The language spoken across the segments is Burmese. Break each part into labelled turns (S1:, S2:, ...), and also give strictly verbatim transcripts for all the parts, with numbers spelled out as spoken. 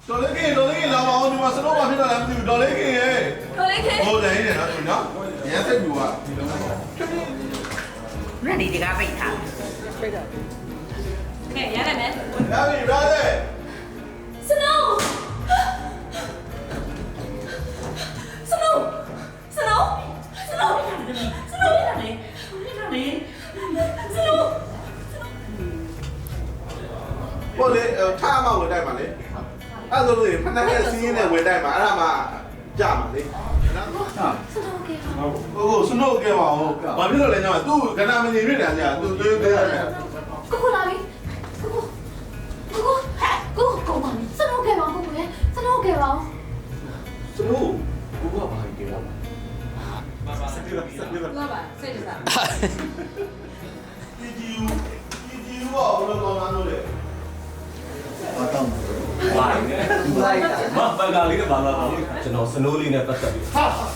S1: တော်လေးခင်တော်လေးခင်လာမအောင်ဒီမှာစတော့မဖြစ်တော့လည်းမသိဘူးတော်လေးခင်ရဲ့
S2: တော်လေးခင်
S1: ဟုတ်တယ်နေနော်သူနော်ရမ်းစိတ်ပြူอ่ะဒီလုံးမှာ
S3: 那你这个背他，
S2: ကဲရရတယ်မယ်
S1: လာပြီ brother
S2: စနိုးစနိုးစနိုးစနိုးစနိုးရရတယ်ရရတယ်စနိုး
S1: ဟုတ်လေထားမှဝင်တိုက်မှာလေအဲ့ဆိုလို့ဖဏနဲ့စီးင်းနဲ့ဝင်တိုက်မှာအဲ့ဒါမှကြမှာလေနော်
S2: စနိုးကဲပါ
S1: ဟုတ်စနို့ကဲပါဦးဘာဖြစ်လို့လဲညမသူ့ကဏမနေဖြစ်တယ်ကြာသူသွေးသေးတယ်
S2: ကိုကိုလာပြီကိုကိုကိုကိုကိုပါစနိုးကဲပါကိုကိုလေစနိုးကဲပါ
S1: စနို့ကိုကဘာကြည့်ရလဲ
S2: လာပါစိတ်တစား
S1: ဒီဒီဒီဒီရောဘယ်လိုကောင်းလာလို့လဲ
S4: ဘာတောင်းဘာလဲဒီလိုက်တာမဘဂါလေးနဲ့ဘာလာတော့ကျွန်တော်စနိုးလေးနဲ့ပတ်သက်ပြီးဟာ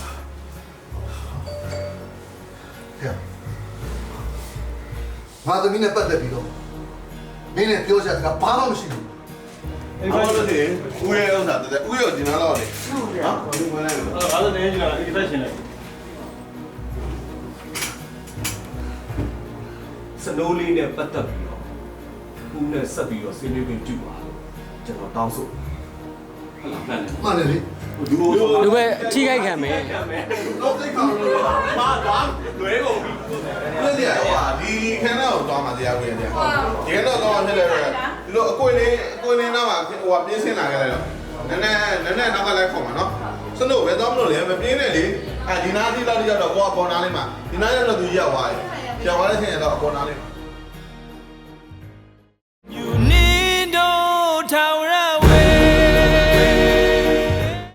S5: ငါသမီးနဲ့ပတ်သက်ပြီးတော့မင်းနဲ့ပြောချင်တာဘာမှမရှိဘူး
S1: အဲ့လိုလေဦးရဲ့ဥစ္စာတဲ့ဦးရောဒီနားတော့လေနော်ဒီဝင်လိုက်လို့
S4: အဲ့ဒါလည်းနေကြတာဒီသက်ရှင်လိုက်စနိုးလေးနဲ့ပတ်သက်ပြီးတော့ဦးနဲ့ဆက်ပြီးတော့ဆွေးနွေးခွင့်ပြုပါကျွန်တော်တောင်းဆိုဟုတ်လားမှန်တယ်
S5: မှန်တယ်လေ
S1: ဒီလို
S6: လူပဲထိခိုက်ခံမယ်
S1: တော့သိကောင်းလို့မာသွားလွဲကုန်ပြီလက်ရဟိုဟာဒီခန်းတော့သွားမှာတရားဝင်တယ်ဒီကတော့တော့ဖြစ်တယ်ဒီလိုအကွေလေးအကွေလေးတော့ဟိုဟာပြင်းစင်လာခဲ့လိုက်တော့နည်းနည်းနည်းနည်းနောက်ကလိုက်ခေါ်မှာနော်စနို့ပဲတော့မလို့လေမပြင်းနဲ့လေအဲဒီနားတိလောက်ရောက်တော့ကိုကပေါ်နားလေးမှာဒီနားရောက်တော့သူရောက်သွားတယ်ရောက်သွားတဲ့အချိန်တော့အပေါ်နားလေး